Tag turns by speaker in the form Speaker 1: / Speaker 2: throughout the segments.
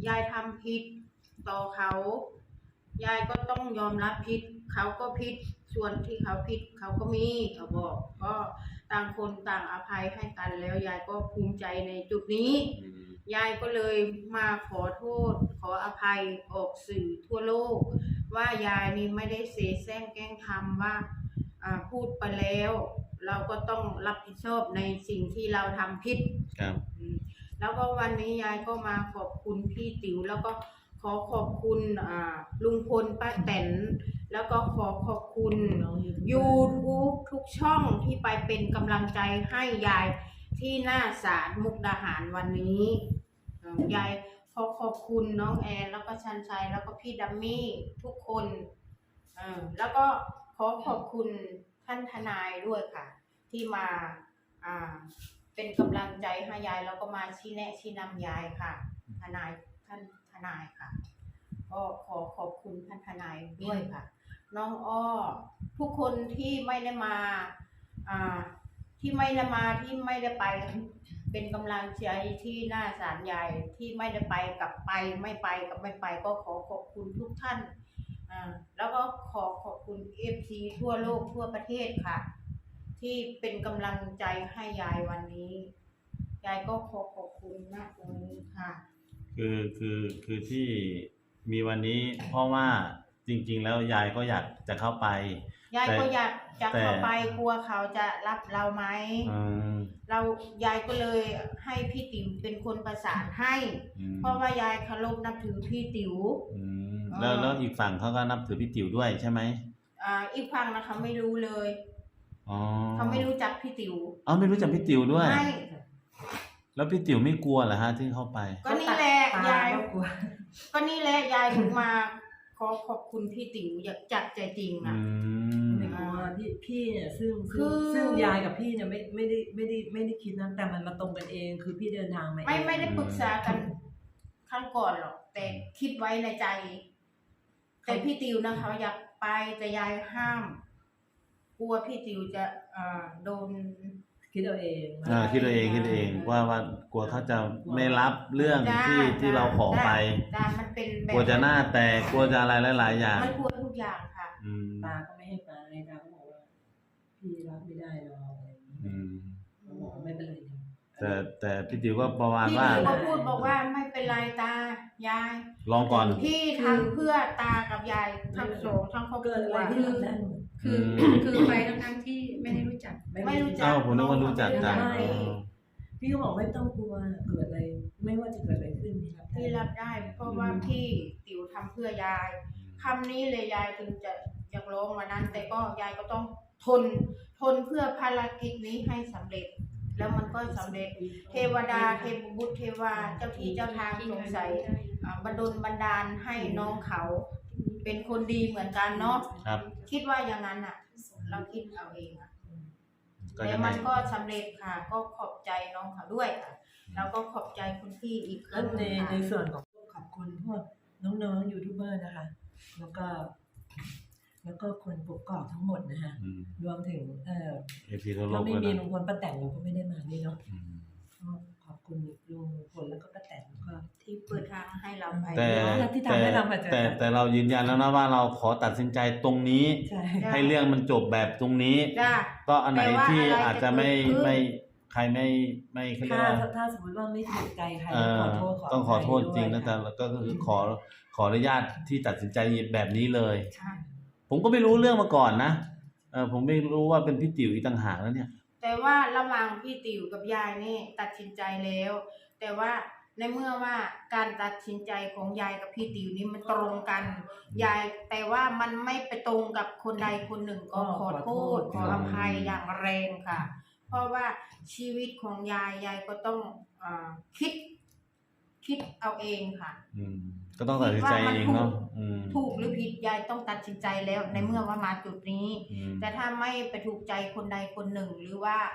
Speaker 1: ยายทำผิดต่อเขายายก็ต้องยอมรับผิดเขาก็ผิดส่วนที่เขาผิดเขาก็มีเขาบอกก็ต่างคนต่างอภัยให้กันแล้วยายก็ภูมิใจในจุดนี้ยายก็เลยมาขอโทษขออภัยออกสื่อทั่วโลกว่ายายนี่ไม่ได้เสแสร้งแกล้งทำว่าพูดไปแล้วเราก็ต้องรับผิดชอบในสิ่งที่เราทำผิด
Speaker 2: ครับ
Speaker 1: แล้วก็วันนี้ยายก็มาขอบคุณพี่ติ๋วแล้วก็ขอขอบคุณลุงพลป้าแตนแล้วก็ขอขอบคุณ YouTube ทุกช่องที่ไปเป็นกำลังใจให้ยายที่หน้าศาลมุกดาหารวันนี้ยายขอขอบคุณน้องแอนแล้วก็ชันชัยแล้วก็พี่ดัมมี่ทุกคนแล้วก็ขอขอบคุณท่านทนายด้วยค่ะที่มาเป็นกำลังใจให้ยายแล้วก็มาชี้แนะชี้นำยายค่ะท่านทนายค่ะก็ขอขอบคุณท่านทนายด้วยค่ะน้องอ้อทุกคนที่ไม่ได้มาที่ไม่ได้ไปเป็นกำลังใจที่หน้าศาลใหญ่ที่ไม่ได้ไปกับไปไม่ไปกับไม่ไปก็ขอขอบคุณทุกท่านแล้วก็ขอขอบคุณ FC ทั่วโลกทั่วประเทศค่ะที่เป็นกำลังใจให้ยายวันนี้ยายก็ขอขอบคุณมากตรงนี้ค่ะ
Speaker 2: คือที่มีวันนี้เพราะว่าจริงๆแล้วยายก็อยากจะเข้าไป
Speaker 1: ยายก็อยากจะเข้าไปกลัวเขาจะรับเราไหมยายก็เลยให้พี่ติ๋วเป็นคนประสานให้เพราะว่ายายเคารพนับถือพี่ติ๋ว
Speaker 2: แล้วอีกฝั่งเขาก็นับถือพี่ติ๋วด้วยใช่ไหม
Speaker 1: อีกฝั่งนะคะไม่รู้เลยเขาไม่รู้จักพี่ติ๋ว
Speaker 2: ไม่รู้จักพี่ติ๋วด้วยแล้วพี่ติ๋วไม่กลัวเหรอฮะที่เข้าไป
Speaker 1: ก็นี่แหละยายก็นี่แหละยายถึงมาขอบคุณพี่ติ๋วอยากจัดใจจริง
Speaker 3: ไม่กลัวพี่เนี่ยซึ่งยายกับพี่เนี่ยไม่ได้คิดนะแต่มันมาตรงกันเองคือพี่เดินทางมาเอง
Speaker 1: ไม่ได้ปรึกษากันครั้งก่อนหรอกแต่คิดไว้ในใจแต่พี่ติ๋วนะเขาอยากไปแต่ยายห้ามกลัวพี่ติ๋วจะโดน
Speaker 3: คิดเอาเอง
Speaker 2: คิดเอาเองว่ากลัวเขาจะไม่รับเรื่องที่เราขอไป
Speaker 1: มันเป็นแบบ
Speaker 2: กลัวจะหน้าแตกกลัวจะอะไรหลายๆอย่าง
Speaker 1: มันกลัวทุกอย่างค่ะ
Speaker 3: ตาก็ไม่ให้ไปตาก็บอกว่าพี่รับไม่ได้หรอกอะไรอย่างนี้บอกไม่เป็นไร
Speaker 2: แต่พี่ติ๋วก็ประมาณว่า
Speaker 1: พี่ติ๋วก็พูดบอกว่าไม่เป็นไรตายาย
Speaker 2: ลองก่อน
Speaker 1: พี่ทำเพื่อตากับยายทั้งสองทั้งครอบครัว
Speaker 4: คือไปทั้งที่ไม่ได้รู้จัก
Speaker 2: ผมนึกว่ารู้จักกัน
Speaker 3: พี่ก็บอกไม่ต้องกลัวเกิดอะไรไม่ว่าจะเกิดอะไรขึ้น
Speaker 1: พี่รับได้เพราะว่าพี่ติ๋วทำเพื่อยายคำนี้เลยยายถึงจะอยากร้องมานั้นแต่ก็ยายก็ต้องทนเพื่อภารกิจนี้ให้สำเร็จแล้วมันก็สำเร็จเทวดาเทพบุตรเทวาเจ้าที่เจ้าทางสงสัยบันดาลให้น้องเขาเป็นคนดีเหมือนกันเนาะคิดว่าอย่างนั้นอ่ะเราคิดเอาเองอ่ะแต่มันก็สำเร็จค่ะก็ขอบใจน้องเขาด้วยค่ะแล้วก็ขอบใจคุณพี่อีกครั้ง
Speaker 3: ในส่วนของขอบคุณพวกน้องๆยูทูบเบอร์นะคะแล้วก็คนปกครองทั้งหมดนะคะรวมถึงถ้าไม่มีลุงพลป้าแตนเราก็ไม่ได้มานี่เนาะขอบคุณลุงพลแล้วก็ป้าแตนก็
Speaker 1: ที่เปิดทางให้เราไป
Speaker 2: แต่เรายืนยันแล้วนะว่าเราขอตัดสินใจตรงนี้ให้เรื่องมันจบแบบตรงนี้ก็อันไหนที่อาจจะไม่ใครไม่
Speaker 3: ถ้าสมมติว่าไม่ถูกใจใคร
Speaker 2: ต้องขอโทษจริงนะแต่ก็คือขออนุญาตที่ตัดสินใจแบบนี้เลยผมก็ไม่รู้เรื่องมาก่อนนะผมไม่รู้ว่าเป็นพี่ติ๋วอีกต่างหากแล้วเนี่ย
Speaker 1: แต่ว่าระหว่างพี่ติ๋วกับยายนี่ตัดสินใจแล้วแต่ว่าในเมื่อว่าการตัดสินใจของยายกับพี่ติ๋วนี่มันตรงกันยายแต่ว่ามันไม่ไปตรงกับคนใดคนหนึ่งก็ขอโทษขออภัยอย่างแรงค่ะเพราะว่าชีวิตของยายก็ต้องคิดเอาเองค่ะ
Speaker 2: ก็ต้องตัดสินใจเองเนาะ
Speaker 1: ถูกหรือผิดยายต้องตัดสินใจแล้วในเมื่อว่ามาจุดนี้แต่ถ้าไม่ไปถูกใจคนใดคนหนึ่งหรือว่า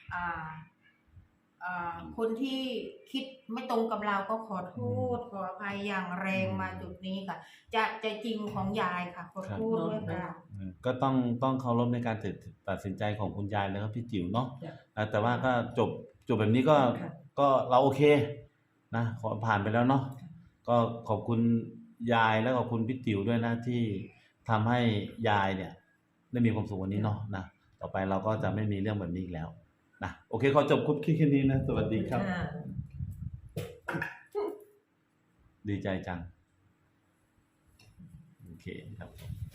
Speaker 1: คนที่คิดไม่ตรงกับเราก็ขอโทษขออภัยอย่างแรงมาจุดนี้ค่ะจากใจจริงของยายค่ะขอโทษด้วยค่ะ
Speaker 2: ก็ต้องเคารพในการตัดสินใจของคุณยายแล้วก็พี่จิ๋วเนาะแต่ว่าก็จบแบบนี้ก็เราโอเคนะขอผ่านไปแล้วเนาะก็ขอบคุณยายและขอบคุณพี่ติ๋วด้วยนะที่ทำให้ยายเนี่ยได้มีความสุขวันนี้เนาะนะต่อไปเราก็จะไม่มีเรื่องแบบนี้อีกแล้วนะโอเคขอจบคลิปแค่นี้นะสวัสดีครับ ดีใจจังโอเคครับ